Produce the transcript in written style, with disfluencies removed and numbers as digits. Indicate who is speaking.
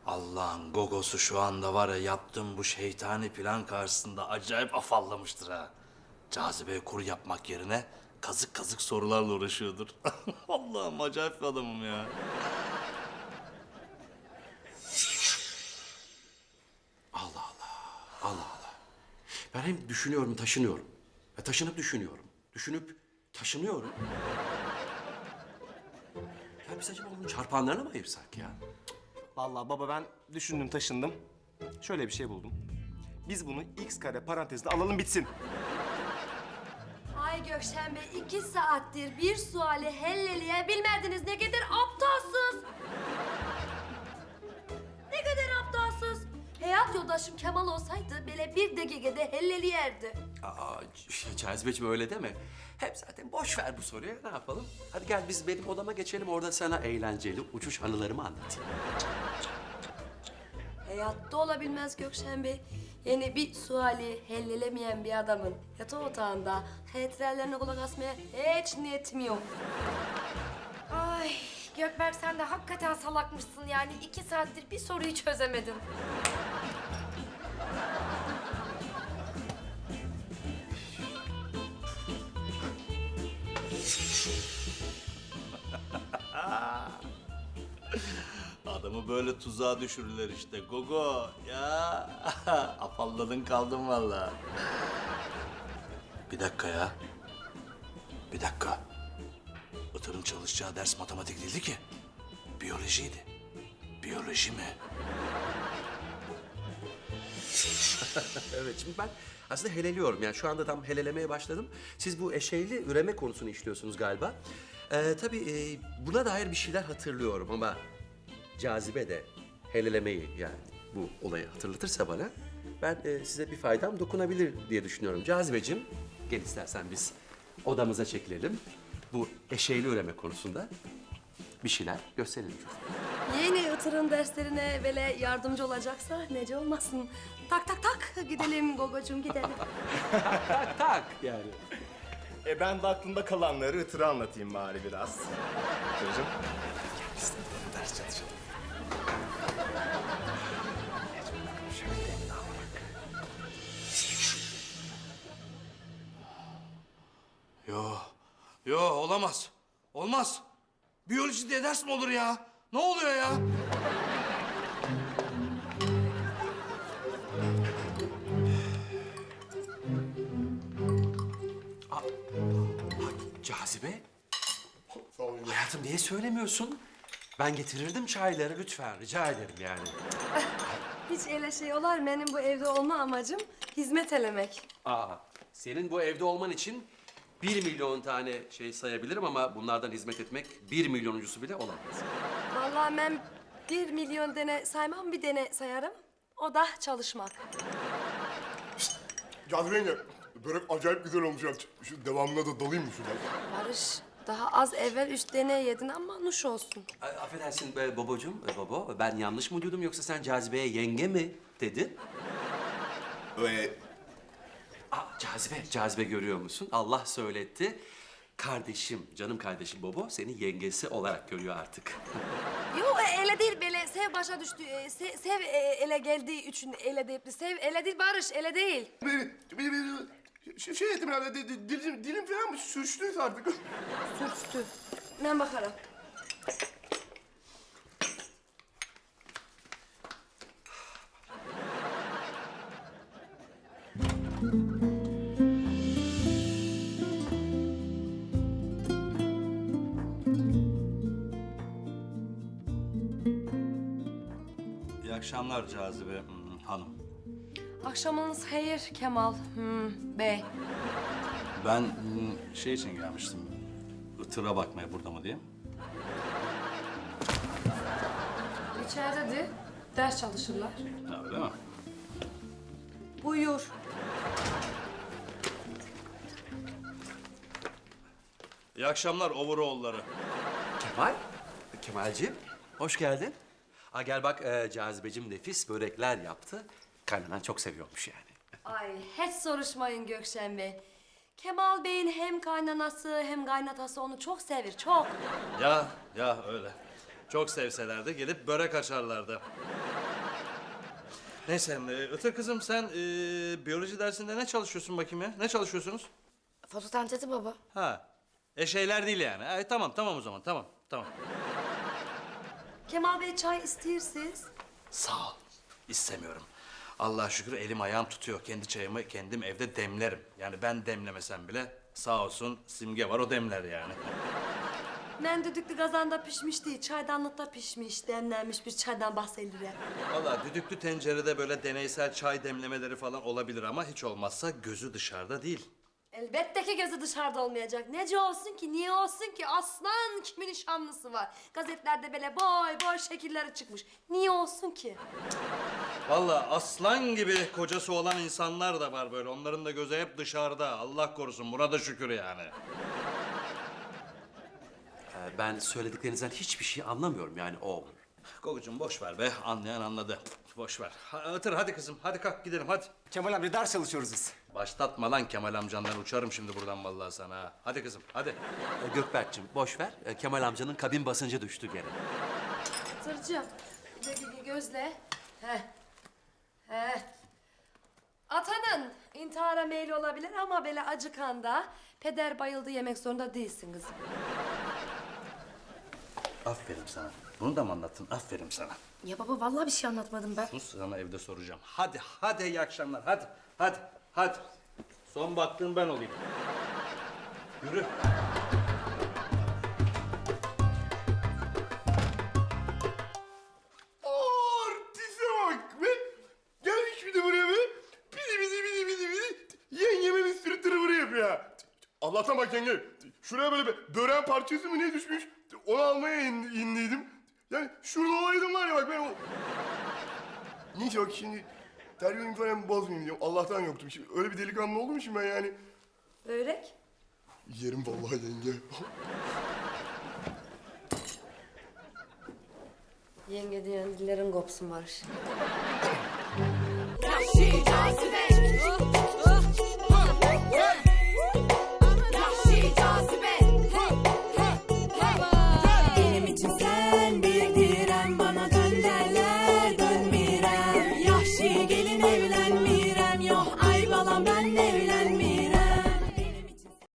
Speaker 1: Allah'ın gogosu şu anda var ya, yaptığım bu şeytani plan karşısında acayip afallamıştır ha. Cazibe kur yapmak yerine kazık kazık sorularla uğraşıyordur. Allah'ım, acayip bir adamım ya.
Speaker 2: Allah Allah. Allah Allah. Ben hem düşünüyorum, taşınıyorum. Taşınıp düşünüyorum. Düşünüp taşınıyorum. Ya biz acaba bunun çarpanlarına mı ayırsak ya?
Speaker 3: Vallahi baba ben düşündüm taşındım. Şöyle bir şey buldum. Biz bunu x kare parantezde alalım bitsin.
Speaker 4: Ay Gökşen Bey, 2 saattir bir suali helleleyebilmediniz. Ne kadar aptalsız. Ne kadar aptalsız. Hayat yoldaşım Kemal olsaydı böyle bir dakikada helleleyerdi.
Speaker 2: Aa, Cazibeciğim öyle deme. Hep zaten boş ver bu soruyu. Ne yapalım? Hadi gel biz benim odama geçelim. Orada sana eğlenceli uçuş anılarımı anlatayım.
Speaker 4: Hayatta olabilmez Gökşen Bey. Yani bir suali hellelemeyen bir adamın yatak otağında hatıralarına kulak asmaya hiç niyetim yok.
Speaker 5: Ay Gökberk sen de hakikaten salakmışsın yani. 2 saattir bir soruyu çözemedin.
Speaker 1: Adamı böyle tuzağa düşürürler işte. Gogo ya. Afalladın kaldın vallahi. Bir dakika ya. Bir dakika. Itır'ın çalışacağı ders matematik değildi ki. Biyolojiydi. Biyoloji mi?
Speaker 2: Evet, şimdi ben aslında heleliyorum. Yani şu anda tam helelemeye başladım. Siz bu eşeyli üreme konusunu işliyorsunuz galiba. Tabii buna dair bir şeyler hatırlıyorum ama Cazibe de helelemeyi yani bu olayı hatırlatırsa bana ben size bir faydam dokunabilir diye düşünüyorum. Cazibeciğim, gel istersen biz odamıza çekilelim. Bu eşeyli üreme konusunda bir şeyler gösterelim.
Speaker 4: Yeni Itır'ın derslerine böyle yardımcı olacaksa nece olmasın. Tak tak tak gidelim Gogocuğum gidelim.
Speaker 2: Tak tak yani.
Speaker 3: Ben de aklımda kalanları Itır'a anlatayım bari biraz. Itır'cığım.
Speaker 1: Ders çalışalım. Yo olamaz. Olmaz. Biyoloji diye ders mi olur ya? Ne oluyor ya?
Speaker 2: Cazibe. Hayatım niye söylemiyorsun? Ben getirirdim çayları lütfen rica ederim yani.
Speaker 4: Hiç öyle şey olar. Benim bu evde olma amacım hizmet elemek.
Speaker 2: Senin bu evde olman için 1 milyon tane şey sayabilirim ama bunlardan hizmet etmek 1 milyonuncusu bile olamaz.
Speaker 4: Vallahi ben 1 milyon dene saymam, bir dene sayarım. O da çalışmak.
Speaker 6: Cazibe yenge, börek acayip güzel olmuş ya. Şu devamına da dalayım mı şuna?
Speaker 4: Barış, daha az evvel 3 dene yedin ama nuş olsun.
Speaker 2: Affedersin babacığım, baba ben yanlış mı duydum yoksa sen Cazibe'ye yenge mi dedin? Cazibe görüyor musun? Allah söyletti. Kardeşim, canım kardeşim Bobo seni yengesi olarak görüyor artık.
Speaker 4: Yok öyle değil, böyle sev başa düştü. Sev ele geldiği için ele deyip sev ele değil Barış, ele değil.
Speaker 6: Şey ettim herhalde, dilim falan mı sürçtü artık?
Speaker 4: Sürçtü. Ben bakarım.
Speaker 1: İyi akşamlar Cazibe hanım.
Speaker 4: Akşamınız hayır Kemal Bey.
Speaker 1: Ben şey için gelmiştim. Itır'a bakmaya, burada mı diye.
Speaker 4: İçeride ders çalışırlar.
Speaker 1: Ha, öyle mi?
Speaker 4: Buyur.
Speaker 1: İyi akşamlar overall'ları.
Speaker 2: Kemalciğim hoş geldin. Gel bak Cazibeciğim nefis börekler yaptı. Kaynanan çok seviyormuş yani.
Speaker 4: Ay hiç soruşmayın Gökşen Bey. Kemal Bey'in hem kaynanası hem kaynatası onu çok sevir, çok.
Speaker 1: Ya öyle. Çok sevselerdi gelip börek açarlardı. Neyse Itır kızım sen biyoloji dersinde ne çalışıyorsun bakayım ya? Ne çalışıyorsunuz?
Speaker 5: Fotosentezi baba.
Speaker 1: Ha. Şeyler değil yani. Tamam o zaman tamam.
Speaker 4: Kemal Bey çay istiyorsunuz.
Speaker 1: Sağ ol. İstemiyorum. Allah'a şükür elim ayağım tutuyor. Kendi çayımı kendim evde demlerim. Yani ben demlemesem bile sağ olsun Simge var o demler yani.
Speaker 4: Ben düdüklü kazanda pişmiş değil, çaydanlıkta pişmiş, demlenmiş bir çaydan bahsedilir.
Speaker 1: Vallahi düdüklü tencerede böyle deneysel çay demlemeleri falan olabilir ama hiç olmazsa gözü dışarıda değil.
Speaker 4: Elbette ki gözü dışarıda olmayacak. Nece olsun ki, niye olsun ki? Aslan kimin nişanlısı var? Gazetelerde böyle boy şekilleri çıkmış. Niye olsun ki?
Speaker 1: Vallahi aslan gibi kocası olan insanlar da var böyle. Onların da gözü hep dışarıda. Allah korusun buna da şükür yani.
Speaker 2: Ben söylediklerinizden hiçbir şey anlamıyorum yani o.
Speaker 1: Kokucuğum boş ver be. Anlayan anladı. Boş ver. Itır hadi kızım. Hadi kalk gidelim hadi.
Speaker 3: Kemal abi ders çalışıyoruz biz.
Speaker 1: Başlatma lan Kemal amcandan. Uçarım şimdi buradan vallahi sana. Ha. Hadi kızım hadi.
Speaker 2: Gökberk'cim boş ver. Kemal amcanın kabin basıncı düştü gene.
Speaker 4: Tırcığım, gözle. Heh. Atanın intihara meyli olabilir ama böyle acıkanda peder bayıldı yemek zorunda değilsin kızım.
Speaker 1: Aferin sana. Bunu da mı anlattın? Aferin sana.
Speaker 5: Ya baba vallahi bir şey anlatmadım ben.
Speaker 1: Sus sana evde soracağım. Hadi iyi akşamlar. Hadi. Son baktığım ben olayım. Yürü.
Speaker 6: Artiste bak be. Gelmiş bir de buraya be. Bidi. Yengeme bir sürü tırıvırı yapıyor. Allah'tan bak yenge. Şuraya böyle bir böreğin parçası mı ne düşmüş? Onu almaya indiydim. Yani şurada olaydım var ya bak ben o... Neyse bak şimdi terbiyemi falan bozmayayım diyorum. Allah'tan yoktum. Şimdi öyle bir delikanlı oldum şimdi ben yani.
Speaker 4: Börek?
Speaker 6: Yerim vallahi yenge.
Speaker 4: Yenge diyen dillerin kopsun Barış.